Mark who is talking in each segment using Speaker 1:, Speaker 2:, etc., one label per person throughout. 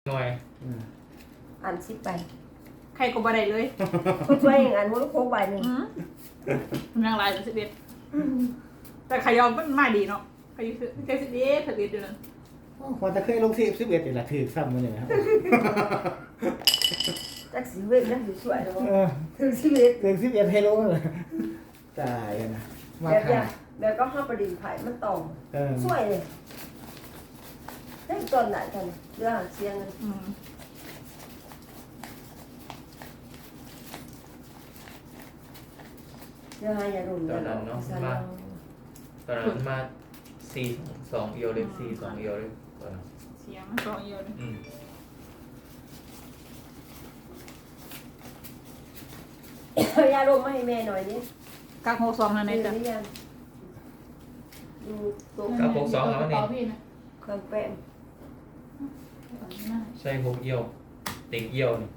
Speaker 1: หน่อย
Speaker 2: อ่าน10 ใบ
Speaker 3: ใครก็บ่ได้เลย
Speaker 2: คุณช่วยอย่างอันมันโค้งใบหนึ่ง
Speaker 3: มันยังหลายแต่11แต่ขยอมมันมาดีเนาะขยคือแค่11อยู่นั่น
Speaker 4: พอจะเคยลง11นี่แหละถือซ้ำมาเลยครับ
Speaker 2: จักสิเวทนั่นอยู่สวยแล้ว
Speaker 4: เออ
Speaker 2: ถึง11
Speaker 4: ถึง11ให้ลงเลยตายนะมา
Speaker 2: แบบ
Speaker 4: ค่ะ
Speaker 2: แบบก็ห้าประดิษฐ์ไผ่มันตอง
Speaker 4: เออ
Speaker 2: สวยเลยได้ตอนไหนกันเรื่องเสียงกัน เรื่องอย่ารุน
Speaker 1: ตอนนั้นมา4-2เอียวเลย4-2เอียวเลยตอนนั้น
Speaker 3: เสียงสองเอียวเลย
Speaker 2: ยาลมมาให้แม่หน่อยนี่
Speaker 3: กัก62นั่น
Speaker 2: นี่
Speaker 3: เองจ้ะ
Speaker 2: นี่ยังดูตัว
Speaker 1: กับ62แล้วนี่
Speaker 2: เครื่องแป้ง
Speaker 1: ใช่6เอียวเต็งเอียวนี่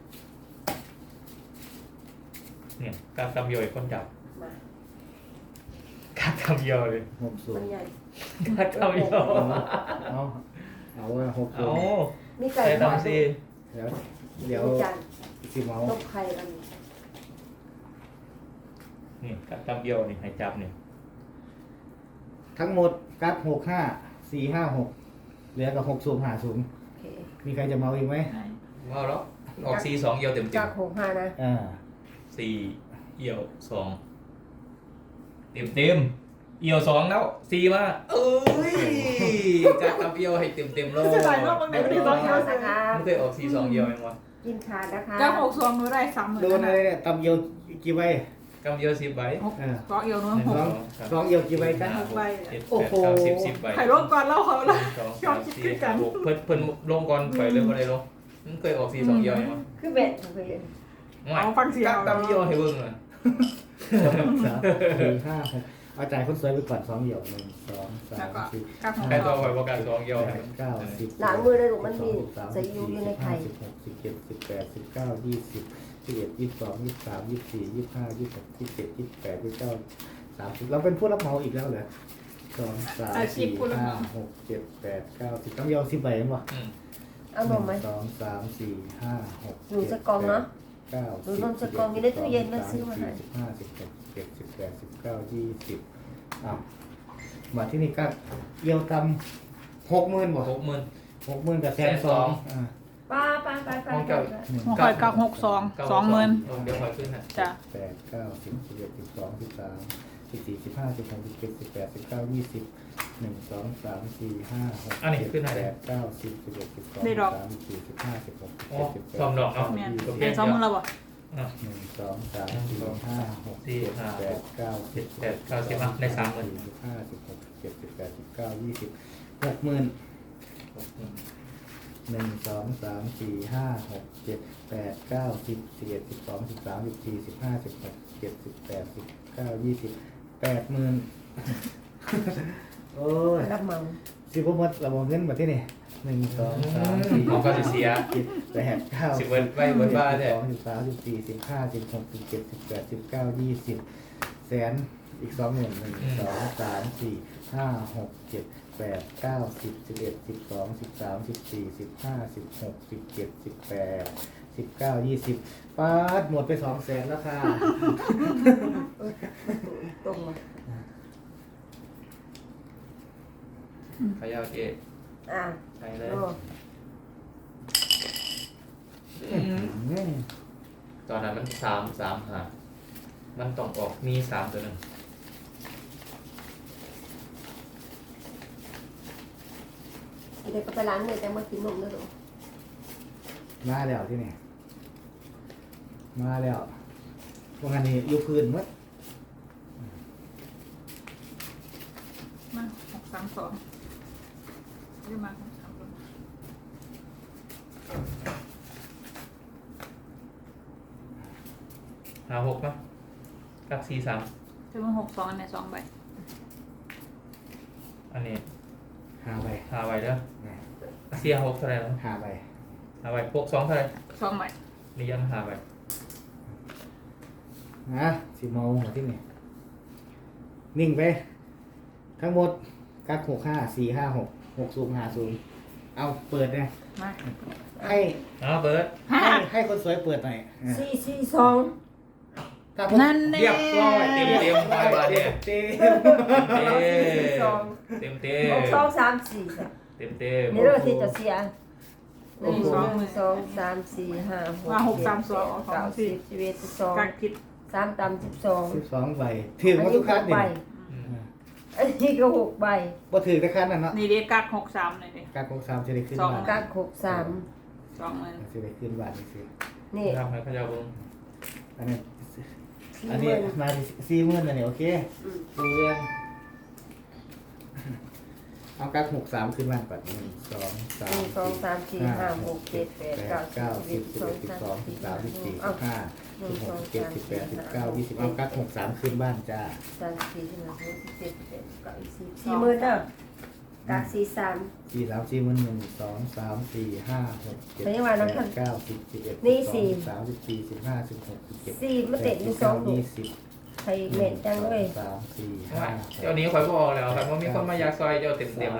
Speaker 1: เนี่ยการทำเอียวไอ้คนจับ
Speaker 2: มา
Speaker 1: การทำเอียวเลย
Speaker 2: มัน
Speaker 4: 60
Speaker 2: ใหญ่
Speaker 1: การทำเอียว
Speaker 4: เอาว่า
Speaker 1: เอา
Speaker 4: 60
Speaker 2: มีไก่
Speaker 1: ใส่
Speaker 2: ทอด
Speaker 1: ทำสิ
Speaker 4: เดี๋ยว
Speaker 2: มีจาน
Speaker 4: สิเมา
Speaker 2: ต้มไข่กัน
Speaker 1: นี่การทำเอียวนี่ให้จับนี่
Speaker 4: ทั้งหมดกัด65 456เหลือกับ6สูง5สูง
Speaker 2: โอเค
Speaker 4: มีใครจะเมาอีกไหม
Speaker 1: ว้าวแล้วออก4-2เอียวเต็ม
Speaker 2: จาก65นะ
Speaker 4: อ่า
Speaker 1: 4เอียว2เต็มเอียว2แล้ว4มาเอ้ยการทำเอียวให้เต็มเลย
Speaker 3: เสียดายมากบาง
Speaker 2: ไม่
Speaker 3: เดือน
Speaker 2: ได้
Speaker 3: ที่
Speaker 2: ต้
Speaker 3: ต้
Speaker 2: อ
Speaker 3: อง ง
Speaker 2: เย
Speaker 3: เย
Speaker 2: อะ
Speaker 3: อะ
Speaker 2: นะคะ
Speaker 1: ไม่เคยออก4-2เอียวยังวะ
Speaker 2: กินขาดนะคะ
Speaker 3: กัก62หนูได้30,000
Speaker 4: โดนอะไรเนี่ยตำเยียวกี่ใบ
Speaker 1: กำเอียว10ใบ
Speaker 3: สองเอียวหนู
Speaker 1: 1
Speaker 3: 6
Speaker 4: 2เยียวกี่ใบกัน
Speaker 1: 5 6 7
Speaker 4: โอ้โห
Speaker 1: 8 9 10 10ใบ
Speaker 3: ใครร่วมก่อนเล่าเขาละ
Speaker 1: 1 2 3 4 5 6เพิ่นลงก่อนไปเลยบ่ได้ลงมันเคยออก4-2เอียวยังวะ
Speaker 2: คือเบ็ดเคย
Speaker 3: เอาฟังเสียง
Speaker 1: กักตำเอียวให้เบิ่งอ่ะ
Speaker 4: 3 4 5 6เอาจ่ายคนสวยไปก่อน2เยียว1 2
Speaker 3: แล้วก็
Speaker 4: 3 4
Speaker 3: กัก
Speaker 1: ใครตัวข่อยบ่กัน2เอียวให้
Speaker 4: 9 10
Speaker 2: หลังมือเลยลูกมันมีใส่ยูอยู่ในไข่
Speaker 4: 16 17 18 19 20 21 22 23 24 25 26 27 28 29 30เราเป็นผู้รับเหมาอีกแล้วเหรอ2 3 4 5 6 7 8 9 10ต้องยาว10ใบมั้งวะ
Speaker 1: อืม
Speaker 2: เอานมไหม
Speaker 4: 2 3 4 5 6
Speaker 2: หนูจะกองเนาะ
Speaker 4: 9
Speaker 2: หนูนมจะกองอยู่ในตู้เย็นแล้วซื้อมาให้
Speaker 4: 15 16 17 18 19 20อ้าวมาที่นี่ก็เยี่ยวตำ60,000บ่
Speaker 1: 60,000
Speaker 4: 60,000กับ120,000อ่า
Speaker 2: ป้า
Speaker 1: ของเก่า
Speaker 3: หัวข่อยกัก62 20,000
Speaker 1: เดี๋ยวข่อยขึ้นให้
Speaker 3: จ้ะ
Speaker 4: 8 9 10 11 12 13 14 15 16 17 18 19 20 1 2 3 4 5 6 7 8 9 10 11 12 13 14 15 16
Speaker 1: อ๋อ
Speaker 4: 17
Speaker 1: ซ่อมดอกเนาะ
Speaker 3: แม่นเป็น20,000แล้วบ่
Speaker 1: อ่ะ
Speaker 4: 1 2 3 4 5 6 7 8 9 10
Speaker 1: 7 8 9 10อ่ะได้30,000
Speaker 4: 15 16 17 18 19 20 60,000 1 2 3 4 5 6 7 8 9 10 11 12 13 14 15 16 17 18 19 20 80,000 โอ้ย
Speaker 2: รับเหมา
Speaker 4: สิบหมดระบบเงินมาที่นี่1 2 3 4
Speaker 1: ของก็สิเสีย
Speaker 4: 7 8 9
Speaker 1: สิเบิดไว้เบิดบ้าเด้
Speaker 4: 12 13 14 15 16 17 18 19 20แสนอีก20,000 1 2 3 4 5 6 7 8 9 10 11 12 13 14 15 16 17 18 19 20ป้าดหมดไป200,000แล้วค่ะ
Speaker 2: ตรงมา
Speaker 1: ขยาวเจ๊
Speaker 2: อ่า
Speaker 1: ใช่เลย
Speaker 2: โอ้
Speaker 1: ตอนนั้นมัน3 หามันต้องออกมี3ตัวนึง
Speaker 2: เด็กก็ไปล้างเลยแต่มากินนมแล้วลูก
Speaker 4: มาแล้วที่นี่มาแล้ววันนี้อยู่พื้นหมด
Speaker 3: มา632ได้มา632
Speaker 1: 5 6ป่ะกับ4 3
Speaker 3: จะมา62อันไหน2ใบ
Speaker 1: อันนี้
Speaker 4: 5ใบ
Speaker 1: 5ใบเด้อเสีย6เท่าไหร่แล้ว
Speaker 4: 5ใบ
Speaker 1: 5ใบพก2เท่าไหร่
Speaker 3: 2ใบ
Speaker 1: นี่ยัง5ใบ
Speaker 4: นะสิเมาหัวที่นี่นิ่งไป ทั้งหมดกัก65 4 5 6 6 0 5 0เอาเปิดเลย
Speaker 3: มา
Speaker 4: ให้
Speaker 1: เอาเบิร์ด
Speaker 4: ให้คนสวยเปิดหน่อย
Speaker 2: 442
Speaker 4: ถ้าคน
Speaker 3: นั่นแน่
Speaker 1: เรียบร้อยเต็มไปบาทเนี่ย
Speaker 4: เต็ม
Speaker 1: เต็ม
Speaker 2: 6 2 3 4จ้ะ
Speaker 1: เต็ม
Speaker 2: นี่เรื่องที่จะเสีย1 2 3 4 5 6
Speaker 3: มาหกสามสองสองสี่
Speaker 2: 10 11
Speaker 3: การคิด
Speaker 2: 12 3ต่ำ12
Speaker 4: 12ใบถือมาทุกคัน
Speaker 2: 6
Speaker 4: นี่
Speaker 2: ใบอันนี้ก็6ใบ
Speaker 4: บ่ถือแต่คันนั่นเนาะ
Speaker 3: นี่เรียกกัก63เลยดิ
Speaker 4: การคง3จะได้ขึ้น
Speaker 3: สอง
Speaker 4: บ้าน
Speaker 2: กัก6 3
Speaker 3: 20,000
Speaker 4: จะได้ขึ้นบ้านนี่สิ
Speaker 2: นี่
Speaker 1: ทำให้เขาจะบุ้ง
Speaker 4: อันนี้
Speaker 2: 40,000
Speaker 4: อันนี้มา40,000อันนี้โอเค
Speaker 2: อืม
Speaker 4: ดูเรื่องเอากัก63ขึ้นบ้านก่อน1 2 3
Speaker 2: 1 2 3 4 5 6 7 8 9
Speaker 4: 10 11 12 13 14 15 16 17 18 19 20เอากัก63ขึ้นบ้านจ้า
Speaker 2: 3 4 5 6 7 8 9 10 40,000เด้อกัก43
Speaker 4: 4 3 4 1 2 3 4 5 6 7
Speaker 2: ไม่ว่าน้อง
Speaker 4: 8
Speaker 2: ท่าน
Speaker 4: 9 10 11
Speaker 2: นี่
Speaker 4: 12
Speaker 2: สี่
Speaker 4: 13 14 15 16 17
Speaker 2: 4มันเตะอยู่2ลูก
Speaker 4: 20
Speaker 2: ใครเม็ดจังเลย
Speaker 4: 3 4 5
Speaker 1: เจ้านี้คอยบอกแล้วครับว่ามีคนมายาซอยเจ้าเต็มแล้ว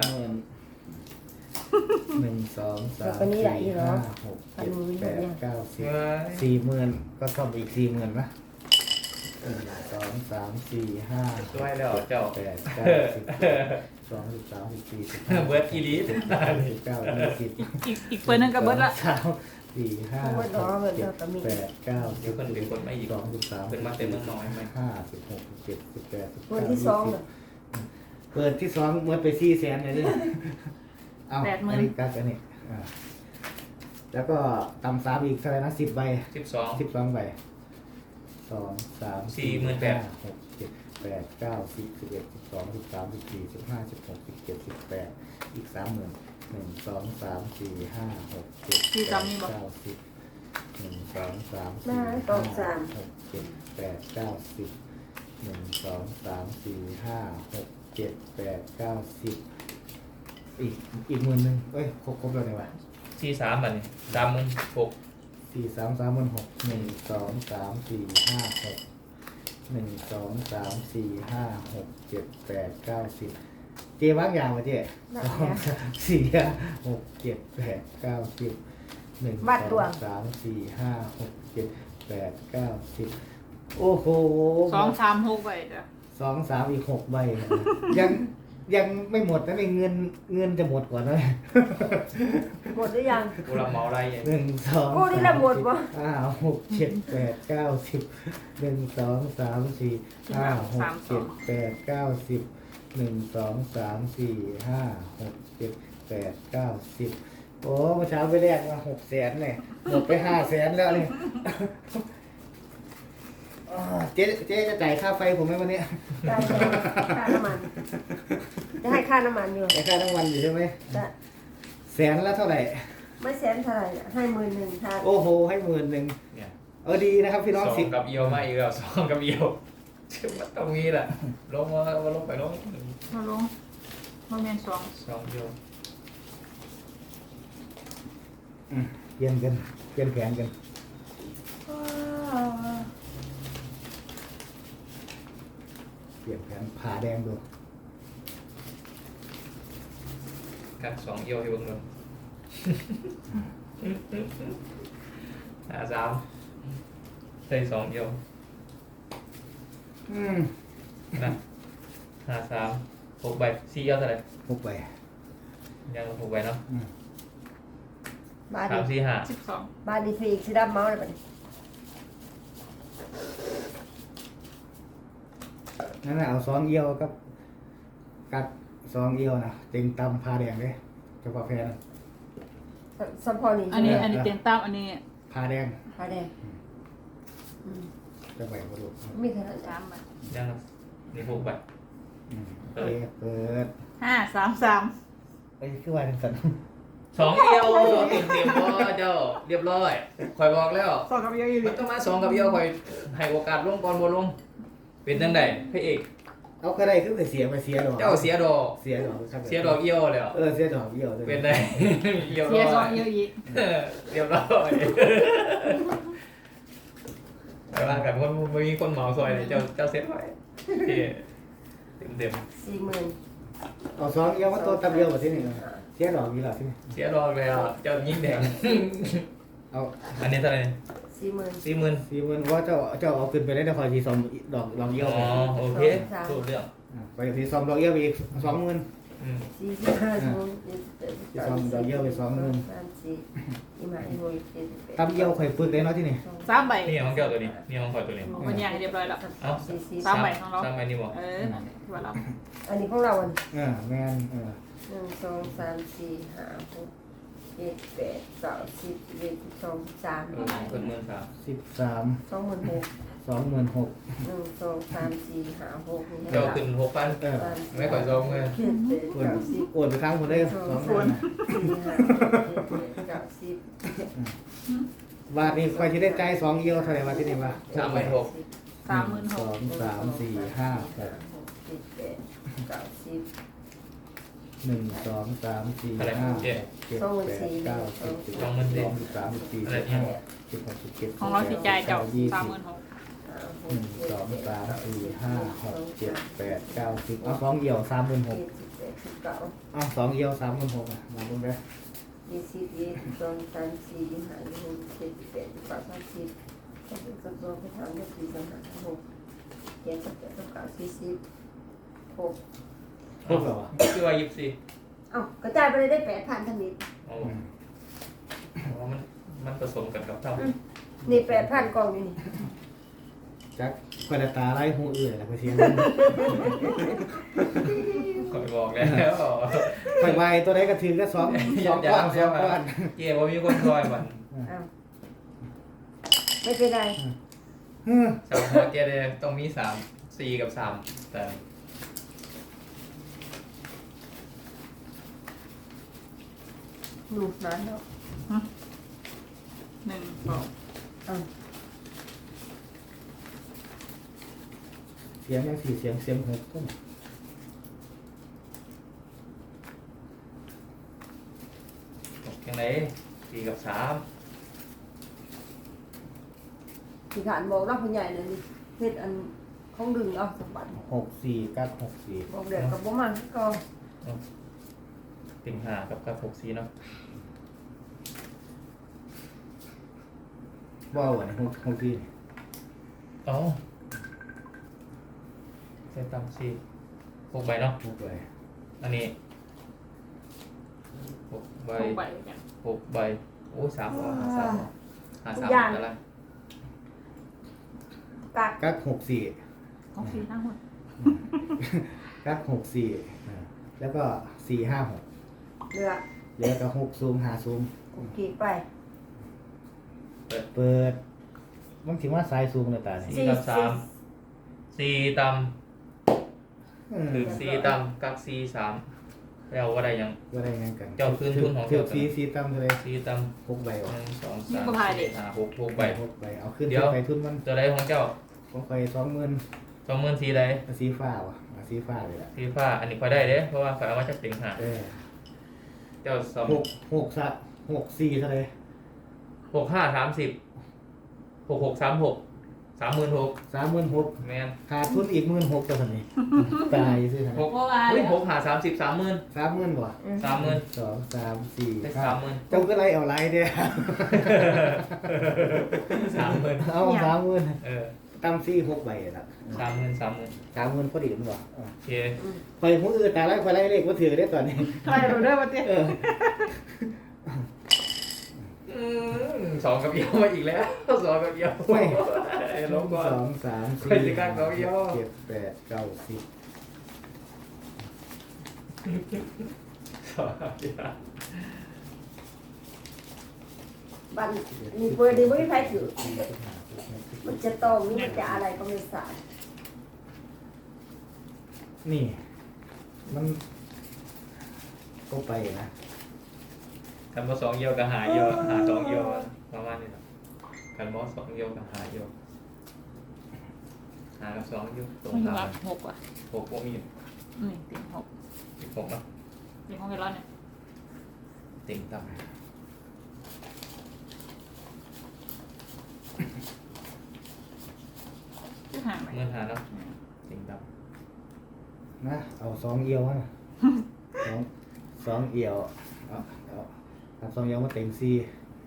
Speaker 4: 1 2 3
Speaker 2: ก็นี่แหละอี
Speaker 4: 4
Speaker 2: เหรอ
Speaker 4: 5 6 7 8 9 10
Speaker 1: เฮ้ย
Speaker 4: 40,000ก็ซ่อมอีก40,000นะ1 2 3 4 5
Speaker 1: ช่วยแล้วเจ้า
Speaker 4: 8 9 10 12 13 14 15
Speaker 1: เบิร์ดอีลี
Speaker 4: 19 20
Speaker 3: อีกเปิดนึงก็เบิดละ
Speaker 4: 3 4 5 6 7 8 9
Speaker 1: เดี๋ยวคนเป็นคนไม่อีก
Speaker 4: 12 13
Speaker 1: เป็นมาเต็มเมืองน้อยไหม
Speaker 4: 5 16 17 18
Speaker 2: คนที่
Speaker 4: 19
Speaker 2: 2น่ะ
Speaker 4: 20เปิดที่2เมื่อไป400,000เลยเนี่ยเอาอันนี้กักอันนี้แล้วก็ตำ3อีกเท่าไหร่นะ10 ใบ
Speaker 1: 12
Speaker 4: 12 ใบ 2 3 4 5 6 7 8 9 10 11 12 13 14 15 16 17 18อีก 30,000 1 2 3 4 5 6 7 8 9 10 1 2 3 4 5 6 7 8 9 10 1 2 3 4 5 6 7 8 9 10อีก10,000นึงเอ้ยครบแล้วเนี่ยวะ
Speaker 1: 43บัดนี้36
Speaker 4: 4 3 3 6 1 2 3 4 5 6 1 2 3 4 5 6 7 8 9 10เจ๊วางยาวมาเจ๊2 3 4 5 6 7 8 9 10 1 2 3 4 5 6 7 8 9 10โอ้โห
Speaker 3: 236ไปจ้ะ
Speaker 4: 2 3อีก6ใบยังไม่หมดนะในเงินจะหมดก่อนนะ
Speaker 2: หมดหรือยัง
Speaker 1: กูรับเหมาอะไรอย่าง
Speaker 4: 1 2
Speaker 2: กูนี่ละหมดวะ
Speaker 4: 5 6 7 8 9 10 1 2 3 4 5 6 7 8 9 10 1 2 3 4 5 6 7 8 9 10โอ้เมื่อเช้าไปแรกมา600,000เนี่ยหมดไป500,000แล้วเนี่ยเจ๊จะจ่ายค่าไฟผมไหมวันนี้
Speaker 2: ได้เลยค่าน้ำมัน จะให้ค่าน้ำมันอยู่
Speaker 4: จ่ายค่าทั้งวันอยู่ใช่ไหม
Speaker 2: จะ
Speaker 4: แสนละเท่าไหร่
Speaker 2: ไม่แสนเท่าไหร่น่ะให้11,000ค่ะ
Speaker 4: โอ้โหให้10,000
Speaker 1: เนี่ย
Speaker 4: ดีนะครับพี่น้อง
Speaker 1: สอง
Speaker 4: 10
Speaker 1: กับเอียวมาอีกแล้ว2กับเอียวมันต้องมีแหละลงมาลงไปลง
Speaker 3: มาลงมาแม่น2
Speaker 1: 2เอียว
Speaker 4: เปลี่ยนกันเปลี่ยนแผนกันเปลี่ยนแผนผ่าแดงดู
Speaker 1: กับ2เอียวให้เบิ่งเลย53ใส่2เอียว นะ53 6ใบ4เอียวเท่าไหร่
Speaker 4: 6 ใบ
Speaker 1: ยัง6ใบเนาะ
Speaker 2: บาท
Speaker 1: 3
Speaker 2: นี้
Speaker 1: 4 5
Speaker 3: 12
Speaker 2: บาทนี้ฟรีอีกสิดับเมาส์เลยปะนี่
Speaker 4: นั่นน่ะเอา2 เอียวกับกัด2 เอียวนะเต็งตำผ่าแดงเลยเฉพาะแพ้นะ
Speaker 2: สัมพอนี่
Speaker 3: อันนี้เตียงตามอันนี้
Speaker 4: ผ่าแดง
Speaker 2: ผ้าแดงอืม
Speaker 4: จะใบบ่รู้
Speaker 2: มีเท่านั้น
Speaker 3: 3บาท
Speaker 1: ยังนี่6ใบ
Speaker 4: เปิด
Speaker 3: 533
Speaker 4: เอ้ยคือว่าจังซั่น
Speaker 1: 2เอียวเต็มบ่เจ้าเรียบร้อยคอยบอกแล้ว
Speaker 3: 2กับเยอะอีห
Speaker 1: มั
Speaker 3: ลี
Speaker 1: นต้องมา2กับเอียวคอยให้โอกาสลงก่อนบ่ลงเป็นจังได๋พระเอก
Speaker 4: เอาก็ได้คือไปเสียไปเสียดอก
Speaker 1: เจ้าเสียดอก
Speaker 4: เสียดอกครับ
Speaker 1: เสียดอกเอียวแล้ว
Speaker 4: เสียดอกเอียว
Speaker 1: เป็นไดเอียว
Speaker 3: เสีย
Speaker 1: ร้อย
Speaker 3: 2เยอะอีก
Speaker 1: เรียบร้อยไปว่ากันคนบ่มีคนเหมาซอยเลยเจ้าเซ็ตไว้เต็ม
Speaker 2: 40,000
Speaker 4: เอา2 เอียวมาตัวตับเอียวบ่ที่นี่เสียดอกนี่แหละที่นี่
Speaker 1: เสียดอกแล้วเจ้ายิ่งแดง
Speaker 4: เอา
Speaker 1: อันนี้เท่าไหร่
Speaker 2: 40,000
Speaker 4: 40,000ว่าเจ้าเอาขึ้นไปได้แต่คอยทีซอมดอกเยี่ยว
Speaker 1: อ๋อ
Speaker 4: ไป
Speaker 1: โอเคถูกเรื่อง
Speaker 4: ไปทีซอมดอกเยี่ยวไปอีก20,000
Speaker 1: อืม
Speaker 4: ตำเยี่ยวคอยฝึกได้เนาะที่นี่
Speaker 3: 3ใบ
Speaker 1: นี่ของเจ้าตัวนี้นี่ของข่อยตัวนี้
Speaker 3: มันย่างให้เรียบร้อยแล้ว
Speaker 1: เอ้า
Speaker 3: สามใบของเรา
Speaker 1: สามใบนี่บ่
Speaker 3: นั่นแหละที่ว่าเรา
Speaker 2: อันนี้ของเราอัน
Speaker 4: แม่น
Speaker 2: 1 2 3 4 5 6 7 8 9 10 11 12 13
Speaker 1: คน13,000
Speaker 4: 13
Speaker 2: 26,000
Speaker 4: 26,000
Speaker 2: 1 2 3 4 5 6
Speaker 1: เจ้าขึ้น6,000 ไม่ก่อยซองเลย
Speaker 4: โอนไปครั้งคนได้20,000 บาทนี่คอยที่ได้ใจ2เยี่ยวเท่าไหร่วะที่นี่วะ
Speaker 1: 36,000
Speaker 3: 36,000
Speaker 4: 2 3 4 5 6 1 2 3 4 5 6 7 8 9 10 11 12 13 14 15 16 17
Speaker 3: ของเราสิจ่ายเจ้า
Speaker 4: 20
Speaker 3: 36,000
Speaker 4: 1 2 3 4 5 6 7 8 9 10เอา2เยี่ยว36,000เอา2เยี่ยว36,000อ่ะมาบุญไป ครบเหรอวะ
Speaker 1: คือว่า24
Speaker 2: เอ้ากระจายไปเลยได้8,000ทั้งนี้
Speaker 1: อ๋อมันผสมกันกับเท่า
Speaker 2: นี่8,000กล่องอยู่นี่
Speaker 4: จักคอยตาไล่หูอื่นแล้วก็เสียง
Speaker 1: ข่อยบอกแล้ว
Speaker 4: ไปไวตัวใดก็ถือก็2ก้อน2ก้อน
Speaker 1: เจ๊บ่มีคนซอยมัน
Speaker 2: อ้าวไม่เป็นไร
Speaker 1: สามหัวเจ๊เลยต้องมี3 4กับ3แต่
Speaker 2: หนูนานแล้ว
Speaker 3: 1 2
Speaker 2: อ้าว
Speaker 4: เสียงยัง4เสียง6ต้น
Speaker 1: ยังไง4กับ3
Speaker 2: ที่ขานบอกเราผู้ใหญ่เลยนี่เฮ็ดอันของดึงเอาสมบัติ
Speaker 4: 6 4กัด6 4
Speaker 2: บอกเด็กกับบ่มันก็
Speaker 1: ติ่ง5กับ6 4เนาะ
Speaker 4: ว้าวอันนี้6 4
Speaker 1: อ๋อใส่ตำ4 6ใบเนาะ
Speaker 4: 6เลย
Speaker 1: อันนี้6ใบ
Speaker 3: 6ใบกัน
Speaker 1: 6ใบโอ้ย3เอาหา3เอาหา3อะไร
Speaker 2: กัก
Speaker 4: กัด6 4
Speaker 3: ของฟรีทั้งหมด
Speaker 4: กัด6 4แล้วก็4 5 6
Speaker 2: เลือก
Speaker 4: แล้วก็6ซูม5ซูม
Speaker 2: โอเคไป
Speaker 4: เปิดมันถึงว่าสายซูมเลยตาเนี่ย
Speaker 1: 4กับ3 4ตำถึง4ตำกัก4 3แล้วว่าได้ยัง
Speaker 4: ก็ได้งั้นกัน
Speaker 1: เจ้าคืนทุนของ
Speaker 4: เที่ย
Speaker 1: เจ้า
Speaker 4: ว4 4ตั้มเลย
Speaker 1: 4ตำ
Speaker 4: 6ใบวะ
Speaker 1: 1 2 3 4 5 6 6ใบ
Speaker 4: 6ใบเอาขึ้น
Speaker 1: เดี๋ยว
Speaker 4: ไปทุนมัน
Speaker 1: ตัวใดของเจ้า
Speaker 4: ผมไป20,000
Speaker 1: 20,000สีใด
Speaker 4: สีฟ้าวะสีฟ้าเลยล่ะ
Speaker 1: สีฟ้าอันนี้พอได้เด้เพราะว่าฝาเอามาจากติ่งหาเจ้าสอง
Speaker 4: 6 4เท่าไหร่
Speaker 1: 65 30 66 36 36,000
Speaker 4: 36,000
Speaker 1: แมน
Speaker 4: ขาดทุนอีก16,000ตัวนี้ตายซื้อทำไม
Speaker 1: 6อุ้ย6หา30 30,000
Speaker 4: 30,000บ่
Speaker 1: 30,000
Speaker 4: 2 3 4
Speaker 1: ได้
Speaker 4: 5
Speaker 1: 30,000
Speaker 4: เจ้าก็ไล่เอาไล่เด้อ
Speaker 1: 30,000
Speaker 4: เอา30,000
Speaker 1: เออ
Speaker 4: ตั้มซี่6ใบล่ะ
Speaker 1: 30,000
Speaker 4: 30,000พอดีมั้งบ่
Speaker 1: โอเค
Speaker 4: คอยผู้อื่นแต่ไล่คอยไล่เลขบ่ถือได้ตอนนี้
Speaker 3: ใช่เราได้มาเตี้ย
Speaker 1: สองกับเอียวมาอีกแล้วสองกับเอียวลงก่อน
Speaker 4: 2 3
Speaker 1: ใครจะกล้าเอาเยอะ
Speaker 4: 4 7 8 9 10
Speaker 1: สองกับเอียว
Speaker 2: บันนี่เปิดดีไม่มีใครถือมันจะตรงนี่มันจะอะไรก็ไม่ทราบ
Speaker 4: นี่ มันก็ไปนะ
Speaker 1: กันมา2เอียวกับหาเอียวหา2เอียวประมาณนี้นะกันมอ2เอียวกับหาเอียวหากับ2เอียวตรง
Speaker 3: มัน
Speaker 1: ตาม
Speaker 3: รับ6อ่ะ
Speaker 1: 6พวกมี
Speaker 3: นี่ติ่ง6
Speaker 1: 16เนาะ
Speaker 3: ติ่งของเวลาเนี่ย
Speaker 1: ติ่งต่ำ
Speaker 3: ที่ห่างไป
Speaker 1: เงินหาเนาะติ่งต่
Speaker 4: นะเอา2เอียวนะ2เอียว
Speaker 1: ำ
Speaker 4: สองเอียวมาเต็งสี่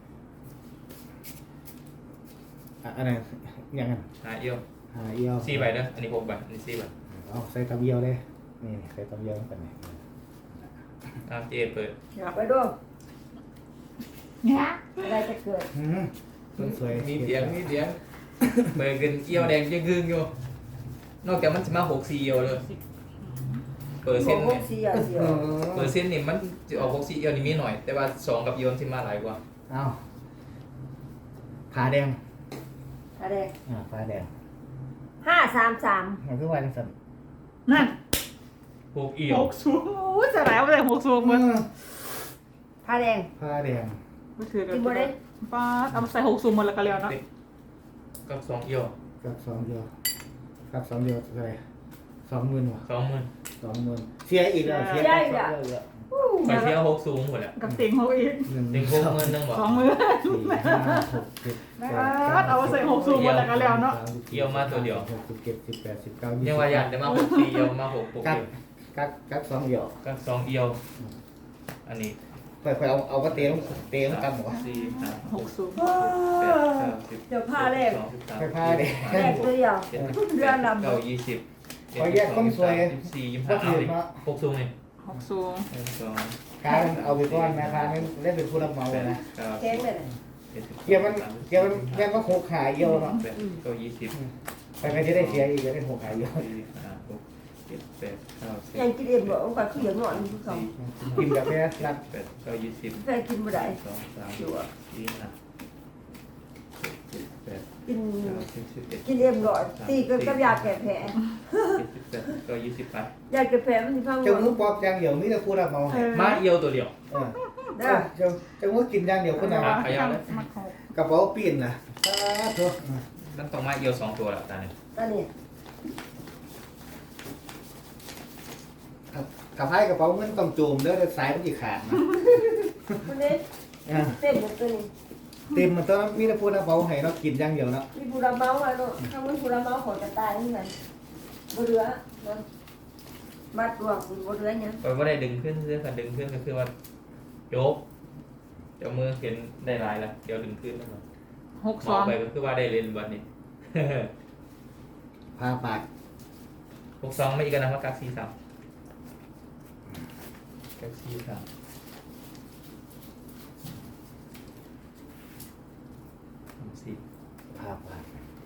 Speaker 4: อันนั้นยังไง
Speaker 1: หาเอี่ยว
Speaker 4: หาเอียว
Speaker 1: 4ใบเด้ออันนี้6ใบอันนี้4ใบ
Speaker 4: เอาใส่ตำเอียวเลยนี่ใส่ตำเอียวกันนี่
Speaker 1: เจเปิด
Speaker 2: ไปดู
Speaker 3: เนี่ย
Speaker 2: อะไรจะเกิด
Speaker 4: คนสวย
Speaker 1: มีเสียงเบิกกันเอี่ยวแดงยังกึ่งอยู่นอกจากมันจะมา6 4เอี่ยวเลยเปอร์
Speaker 2: บ
Speaker 1: เซ็
Speaker 2: อน ก
Speaker 1: ต์
Speaker 2: พว
Speaker 1: เนี่
Speaker 2: ก
Speaker 1: ย
Speaker 2: เสียเสีย
Speaker 1: เปอร์เซ็นต์นี่มันจะออก6 4เอี่ยวนี่มีหน่อยแต่ว่า2กับเอี่ยวที่มาหลายกว่า
Speaker 4: เอาผาแดง
Speaker 2: อะไร
Speaker 4: ผาแดง
Speaker 2: 533
Speaker 4: มันคือว่าจังสัน
Speaker 3: นั่น
Speaker 1: 6เอี่ยว
Speaker 3: หกสูงโอ้ยจะแล้วเลยหกสูงมัน
Speaker 2: ผ้าแดง
Speaker 4: ผาแดง
Speaker 3: ไม่ถือ
Speaker 2: กินบ่ได้
Speaker 3: ป้าเอามาใส่หกสูงหมดแล้วก็แล้วเนาะ
Speaker 1: กับ2เอี่ยว
Speaker 4: กับสองเดียวกับสองเดียวเท่าไหร่20,000ว่ะ
Speaker 1: 20,000
Speaker 4: 20,000เสียอีกแล้วเสียอีกแล้ว
Speaker 1: ไปเที่ยว6สูงหมดแล้ว
Speaker 3: กับเสียงเขาอีก
Speaker 1: เต็ง60,000นึงบ่
Speaker 3: สองมือ
Speaker 4: 4 5 6 7
Speaker 3: เอามาใส่หกสูงหมดแล้วก็แล้วเนาะ
Speaker 1: เอี่ยวมาตัวเดียว
Speaker 4: 17 18 19
Speaker 1: ยังว่าอยากจะมา6 4เอี่ยวมา6 6
Speaker 4: กั
Speaker 1: เอี่
Speaker 4: ด
Speaker 1: ยว
Speaker 4: กัดสองเดียว
Speaker 1: กับ2เอี่ยวอันนี้
Speaker 4: ค่อยๆเอาก็เตะลงกันหมด
Speaker 1: 4 5
Speaker 3: หกสูง
Speaker 1: 8 9 10
Speaker 2: เดี๋ยวผ้าแรก
Speaker 4: ไปพาเด็ก
Speaker 2: แรกตัวเดียวเรือลำ
Speaker 1: 9 20
Speaker 4: ขอแยกคนสวย
Speaker 1: 24
Speaker 4: ก็
Speaker 1: 25
Speaker 4: ถื
Speaker 1: เอา
Speaker 4: อ
Speaker 1: ดิ
Speaker 4: เนาะ
Speaker 1: 6สูงนี่
Speaker 3: หกสูง
Speaker 1: 1 2
Speaker 4: การเอาไปก้อนนะคะนี่เล่นเป็นผู้รับเหมา
Speaker 1: 8
Speaker 4: นะ
Speaker 2: แข็งเลย
Speaker 1: 9
Speaker 4: เกี่ยวมันแม่งก็หกขาเยี่ยวเนาะ
Speaker 1: 8 9 20
Speaker 4: ไปไม่ได้เสียอีกจะเป็นหกขาเยี่ยว
Speaker 1: 4 5 6 7 8 9
Speaker 2: ยังกินเอ็มบอกว่าคืออย่างหน่อยทุกสอง
Speaker 4: กินกับแม่รัด
Speaker 1: 10 8 9 20
Speaker 2: แฟกินบ่ได้
Speaker 1: 2 3
Speaker 2: อยู่อ่ะ
Speaker 1: 4 5 7 8
Speaker 2: กิน
Speaker 1: 9 10 11
Speaker 2: กินเอ็มหน่อยตีกับยาแก้แผล
Speaker 1: 78 9 20ไป
Speaker 2: ยาแก้แผลมันสิพัง
Speaker 4: เจ้ามือปอบอย่างเดียวมีแต่ผู้รับเหมา
Speaker 1: มาเอียวตัวเดียว
Speaker 2: เด้อ
Speaker 4: เจ้ามือกินอย่างเดียวคนเดียว
Speaker 1: ขยับเลย
Speaker 3: มาหก
Speaker 4: กระเป๋าปีนนะสาธุ
Speaker 1: นั่นต้องมาเอียว2ตัวแล้วตาเนี่ย
Speaker 2: ตอนนี้
Speaker 4: กับไพ่กระเป๋าเงินต้องโจมเด้อสายมันจะขาดนะ
Speaker 2: คนนี้เต็มหมดตัวนี้
Speaker 4: เต็มมันต้องมีแต่ผู้รับเหมาให้เรากินอย่างเดียวเนาะ
Speaker 2: มีผู้รับเมาอ่ะเนาะถ้ามันผู้รับเมาของจะตายนี่มันบ่เหลือเนาะมัดรวมบ่เหลือหยัง
Speaker 1: ไปว่าได้ดึงขึ้นเรื่องการดึงขึ้นก็คือว่าโยกเจ้ามือเห็นได้หลายแล้วเดี๋ยวดึงขึ้นแล้ว
Speaker 3: หก
Speaker 1: ม
Speaker 3: ส
Speaker 1: อ
Speaker 3: อง ง
Speaker 1: ไปก็คือว่าได้เล่นวันนี้
Speaker 4: พาปาก
Speaker 1: 62ไม่อีกกันนะครับกัก43กัก43
Speaker 4: พาปาก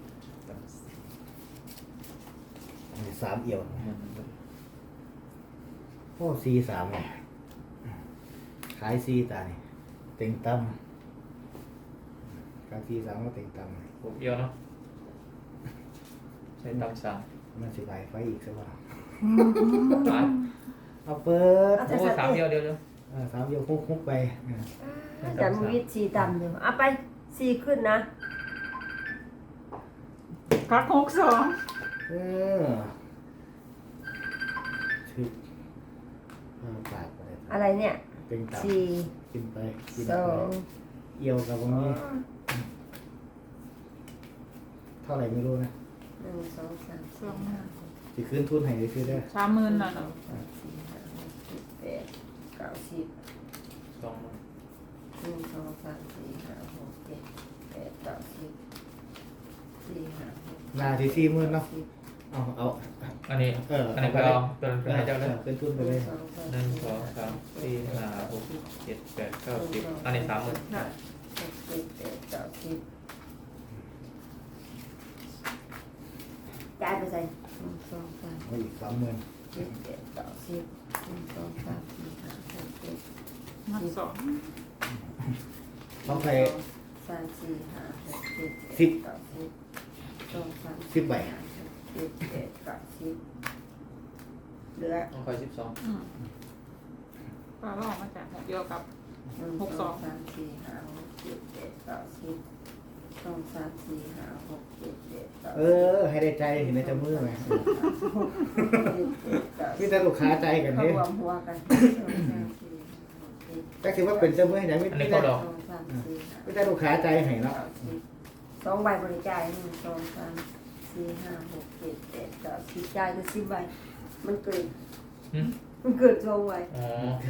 Speaker 4: อันนี้สามเอี่ยวโอ้ซีสามเนี่ยขายซีตาเนี่ยเต็งตั้มการซีสามก็เต็งตั้ม
Speaker 1: 6เอียวเนาะใช้ตำ3
Speaker 4: มันสิบายไฟอีกสักวัน
Speaker 1: มา
Speaker 4: เอาเปิด
Speaker 1: โอ้3เอียวเดียว
Speaker 4: สามเอี่ยวคุกไป
Speaker 2: แต่มีวิธีต่ำอยู่เอาไป4ขึ้นนะ
Speaker 3: กักหกสอง
Speaker 4: เออถึกพาปากไป
Speaker 2: อะไรเนี่ย
Speaker 4: เต็งตั้ม
Speaker 2: 4
Speaker 4: กินไปกิน
Speaker 2: 2
Speaker 4: ไปเอี่ยวกับตรงนี้เท่าไหร่ไม่รู้นะ
Speaker 2: 1 2 3 4 5
Speaker 4: สิคืนทุนให้ซื้อได้
Speaker 3: 30,000น่ะเนาะ
Speaker 2: 6 7 8 9 10
Speaker 1: 2
Speaker 2: 1 2 3 4 5 6 7 8 9 10 4 5
Speaker 4: นาที40,000เนาะเอา
Speaker 1: อันนี้ อันนี้
Speaker 4: ไป
Speaker 1: ก็เอาเป็นให้เจ้าเลย
Speaker 4: คืนทุนไปเลย
Speaker 1: 1 2 3 4 5 6 7 8 9 10อันนี้30,000
Speaker 3: น่ะ
Speaker 2: 6 7 8 9 10จ่ายไปใส่1 2 3
Speaker 4: เอาอีก30,000
Speaker 2: 7 8 9 10 1 2 3 4 5 6 7
Speaker 3: มาสอง
Speaker 4: ต้องไป
Speaker 2: 3 4 5 6 7
Speaker 4: สิบ
Speaker 2: 8 9 10 2 3
Speaker 4: 10ใบ
Speaker 2: 7 8 9 10เหลือ
Speaker 1: ต้องคอย12
Speaker 3: ป้าก็ออกมาจากหกเดียวกับ
Speaker 2: 1 2 3 4 5 6 7 8 9 10 2 3 4 5 6 7 8 9
Speaker 4: เออ ให้ได้ใจเห็นในจมือไหม
Speaker 2: 10
Speaker 4: มีแต่ลูกค้าใจกัน
Speaker 2: เขา
Speaker 4: เนี่ย
Speaker 2: รวมหัวกัน
Speaker 4: แต่คิดว่าเป็นเจ้ามือให้ไหนไม่
Speaker 1: อันนี้
Speaker 4: ได้
Speaker 1: เขาดอก
Speaker 4: ไม่ได้ลูกค้าใจให้เนาะ
Speaker 2: 2 ใบบริจาค1 2 3 4 5 6 7 8 9 10จ่ายก็10 ใบมันเกิน
Speaker 1: หืม
Speaker 2: มันเกิดทรงไว้
Speaker 1: อ๋อ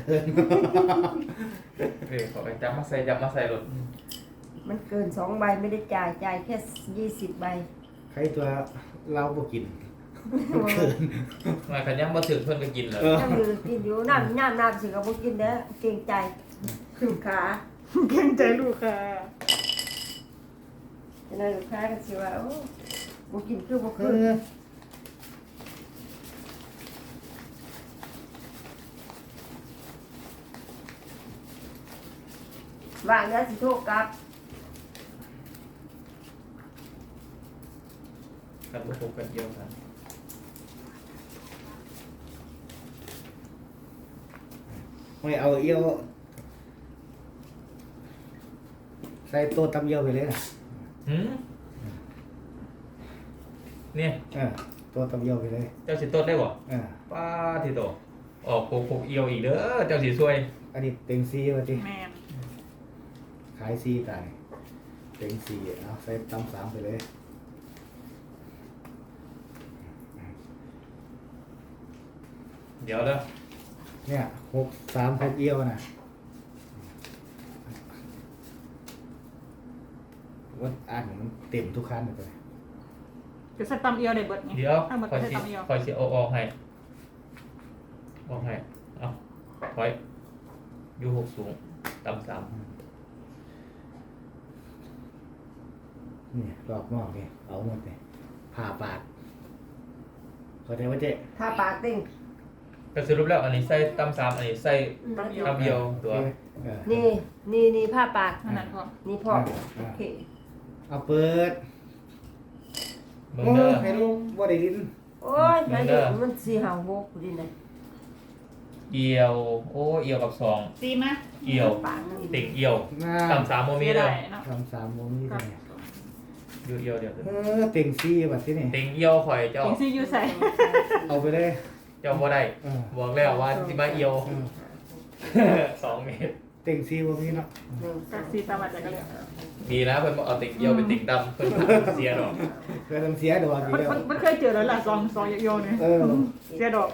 Speaker 1: ขอไปจับมาใส่รถ
Speaker 2: มันเกิน2ใบไม่ได้จ่ายแค่20 ใบ
Speaker 4: ใครตัวเราบ่กินมันเกิน
Speaker 1: มาขันยังมาถึงเพิ่นก็กินเลย
Speaker 2: ยังมือกินอยู่น้ำสิก็บ่กินเด้อเกรงใจขึ้นขา
Speaker 3: เกรงใจลูกค่ะ
Speaker 2: ฉะนั้นลูกค้าก็สิว่าโอ้บ่กินคือบ่
Speaker 4: เอ
Speaker 2: ขึ้น
Speaker 4: อ
Speaker 2: ว่างแล้วสิโทรกลับ
Speaker 1: กันพวกกันเยอะกัน
Speaker 4: ไม่เอาเอี้ยวใส่โต๊ะตำเอี้ยวไปเลยนะ
Speaker 1: หืมเนี่ย
Speaker 4: โต๊ะตำเอี้ยวไปเลย
Speaker 1: เจ้าสิต้นได้บ่
Speaker 4: อ่า
Speaker 1: ป้าที่โตออกพกเอียวอีกเด้อเจ้าสิช่วย
Speaker 4: อันนี้เต็งซีว่าติ
Speaker 3: แม่น
Speaker 4: ขายซีตายเต็งซีเอาใส่ตำ3ไปเลย
Speaker 1: เดี๋ยวเด้อ
Speaker 4: เนี่ย6 3 6เอี้ยวนะว่าอ่านมันเต็มทุกคันเลย
Speaker 3: จะใส่ตำเอียวได้เบิดไง
Speaker 1: เดี๋ยว
Speaker 3: ทั้งหมด
Speaker 1: คอย
Speaker 3: ใส่
Speaker 1: สิ
Speaker 3: ตำเอียว
Speaker 1: คอยสิเอาออกให้เอาถอยอยู่หกสูงต่ำสาม
Speaker 4: นี่รอบนอกนี่เอาหมดเลยผ่าปาดเข้าใจว่าเจ๊
Speaker 2: ถ้าปากติ้ง
Speaker 1: ก็สรุปแล้วอันนี้ใส่ต่ำสามอันนี้ใส่
Speaker 3: ตำเอียว
Speaker 1: ต่ำเดียวตัว
Speaker 2: นี่ผ้าปาก
Speaker 3: นั่นพอ
Speaker 2: นี่พอโอเค
Speaker 4: เอาเปิด
Speaker 1: เบิ่ง
Speaker 4: โอ้
Speaker 1: เด้อ
Speaker 4: ให้ลูกบ่ได้ดิน
Speaker 2: โอ้ยมันเห็นมัน4 5 6ดินะ
Speaker 1: เอียว โอ้เอียวกับสอง
Speaker 3: ซีมา
Speaker 1: เอียว
Speaker 2: ปากมัน
Speaker 1: ติ่งเอียว
Speaker 4: หน้า
Speaker 1: ต่ำสามโมมีเด้อ
Speaker 3: เนาะ
Speaker 4: 3 3บ่มีเลย
Speaker 1: อยู่เอียวเดียว
Speaker 4: เต็งซีแบบที่นี่
Speaker 1: ติ่งเอียวข่อยเจ้า
Speaker 3: เองซีอยู่ใส่
Speaker 4: เอาไปเลย
Speaker 1: เจ้าบ่ได้
Speaker 4: เออ
Speaker 1: บอกแล้วว่าสิมาเอียว 2 เมตร
Speaker 4: เต็งซีบ่มีเนาะ
Speaker 3: กับซีตำมาจากกันเลย
Speaker 1: ดีนะเพิ่นบอกเอาติ่งเอียวเป็นติ่งดำเพิ่นเสียดอก
Speaker 4: เคยทำเสียดอกอยู่แล้ว
Speaker 3: มันเคยเจอแล้วล่ะซองเยอะๆเนี่ย
Speaker 4: เออ
Speaker 3: เสียดอก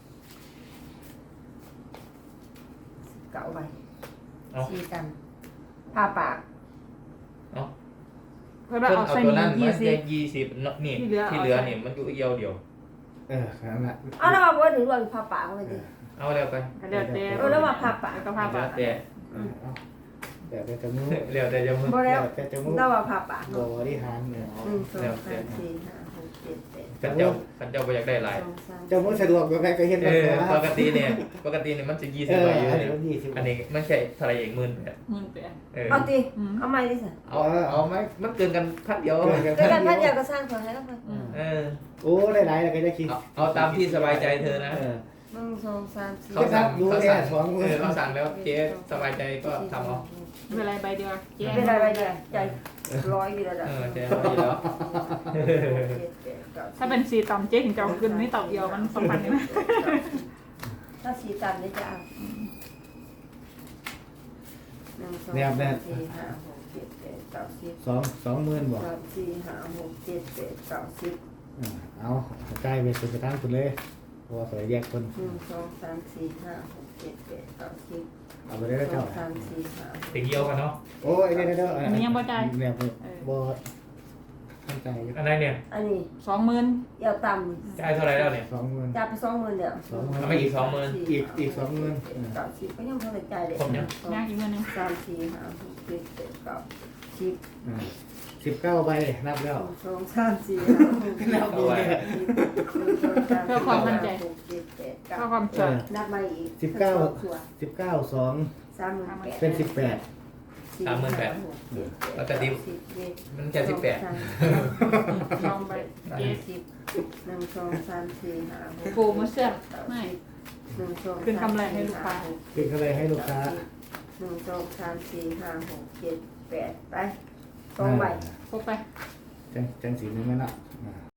Speaker 2: เก่าไป
Speaker 1: เอา
Speaker 2: ซีกันผ้าปาก
Speaker 1: เอา
Speaker 3: เพื่อ
Speaker 1: เพิ่น
Speaker 3: เอา
Speaker 1: เอา
Speaker 3: ใส่
Speaker 1: ตัว
Speaker 3: นี่
Speaker 1: นั้น
Speaker 3: ยี่
Speaker 1: มา
Speaker 3: สิ
Speaker 1: แย
Speaker 3: บ
Speaker 1: ก20เนาะนี่
Speaker 3: ที่เหลือ
Speaker 1: ที่เหลือนี่มันอยู่เอียวเดียว
Speaker 4: ขนาดนั้น
Speaker 2: เอาแล้วมาบ่ถึงว่าผ้าปากเลยดิ
Speaker 1: เอาแล้วไป
Speaker 3: เดี๋ยวเดี๋ยว
Speaker 2: แล้วมาผ้าปาก
Speaker 3: แล้วก็ผ้าปาก
Speaker 1: แต่
Speaker 4: แต่แต่จมูก
Speaker 1: เร็วแต่จะมึง
Speaker 2: บ่แล้ว
Speaker 4: แต่จมูก
Speaker 2: แล้วมาผ้าปาก
Speaker 4: บ
Speaker 2: เนาะ
Speaker 4: ริหารเนี่ย
Speaker 2: 1 2 3 4 5 6 7 8
Speaker 1: กันเจ้าบ่อยากได้หลาย
Speaker 4: จมูกสะดวกแบบไหนก็เห็น
Speaker 1: เอ
Speaker 4: แบบ
Speaker 1: อ
Speaker 4: นั้น
Speaker 1: ปกติเนี่ยมันจะ20
Speaker 4: เออ
Speaker 1: ใบอยู่
Speaker 4: อันนี้
Speaker 1: เนี่ย
Speaker 4: มัน20
Speaker 1: อันนี้ไม่ใช่เท่าไหร่เอง18,000
Speaker 3: 18,000
Speaker 1: เออ
Speaker 2: เอาติเอาใหม่ดิสิ
Speaker 1: เอาไหมมันเกินกันพันเดียว
Speaker 4: เกินกัน
Speaker 2: เดี๋ยวกันท่านอยากก็สร้างขอให้แล้วกัน
Speaker 1: เออ
Speaker 4: โอ้ได้หลายแล้วก็จะคิด
Speaker 1: เอาตามที่สบายใจเธอนะ
Speaker 2: 1 2 3 4
Speaker 1: เขาสั่ง
Speaker 4: รู้
Speaker 1: เขา
Speaker 4: แน่
Speaker 1: สั่ง
Speaker 4: สองมือ
Speaker 1: เขาสั่งแล้วเจ๊สบายใจก็ทำเอา
Speaker 3: ไม่เป็นไรใบเดียวเจ๊
Speaker 2: เป็นอะไรเนี่ยใจร้อยอยู่แล้ว
Speaker 1: เออเจ๊เอาอยู่แล้ว
Speaker 3: ถ้าเป็นซีตำเจ๊ถึงจะเอาขึ้นนี่ตำเอียวมันสำคัญไหม
Speaker 2: ถ้าสีตันนี่จะเอา1 2 3 4 5 6 7 8 9 10
Speaker 4: 20,000บอก
Speaker 2: 3 4 5 6 7 8 9 10
Speaker 4: เอาใกล้ไปสุดกระทั่งคุณเลยเพราะว่าเขาแยกคน
Speaker 2: 1 2 3 4 5 6 7 8 9 10
Speaker 4: เอาไปได้แล้วเจ้า
Speaker 2: 2 3 4 5
Speaker 1: ติงเยี่ยวกันเนาะ
Speaker 4: โอ้ยเด้อเนี่ยบ่เข้าใจ
Speaker 1: อันไหนเนี่ย
Speaker 2: อันนี้
Speaker 3: 20,000
Speaker 2: เอวต่ำ
Speaker 1: จ่ายเท่าไหร่แล้วเนี่ย
Speaker 4: 20,000
Speaker 2: จับไป20,000เดียว
Speaker 1: ทำไมอีก20,000
Speaker 4: อีก20,000
Speaker 2: 90ก็ยังพอใจเลย
Speaker 1: ผมยัง
Speaker 3: ยากอีกเงินหนึง
Speaker 2: 3 4 5 6 7 8 9 10
Speaker 4: 19ใบนับแล้ว
Speaker 2: 2 3 4 5 6
Speaker 4: นับดูเนี่ย
Speaker 3: เพื่อความมั่นใจ
Speaker 2: 6 7 8
Speaker 3: เพื่อ
Speaker 2: 9
Speaker 3: ความชัวร์
Speaker 2: นับมาอีก
Speaker 4: 19 2
Speaker 2: 38,000
Speaker 4: เป็น18
Speaker 1: ปกติมันแค่18
Speaker 3: ลองไปเจ๊
Speaker 2: 1 2 3 4 5 6
Speaker 3: โปรโมชั่นไม่
Speaker 2: 1 2
Speaker 3: คืนกำไรให้ลูกค้า
Speaker 4: เป็นอะไรให้ลูกค้า
Speaker 2: 1 2 3 4 5 6 7 8ไป2ใบ
Speaker 3: พกไป
Speaker 4: จังสีนึงไหมล่ะ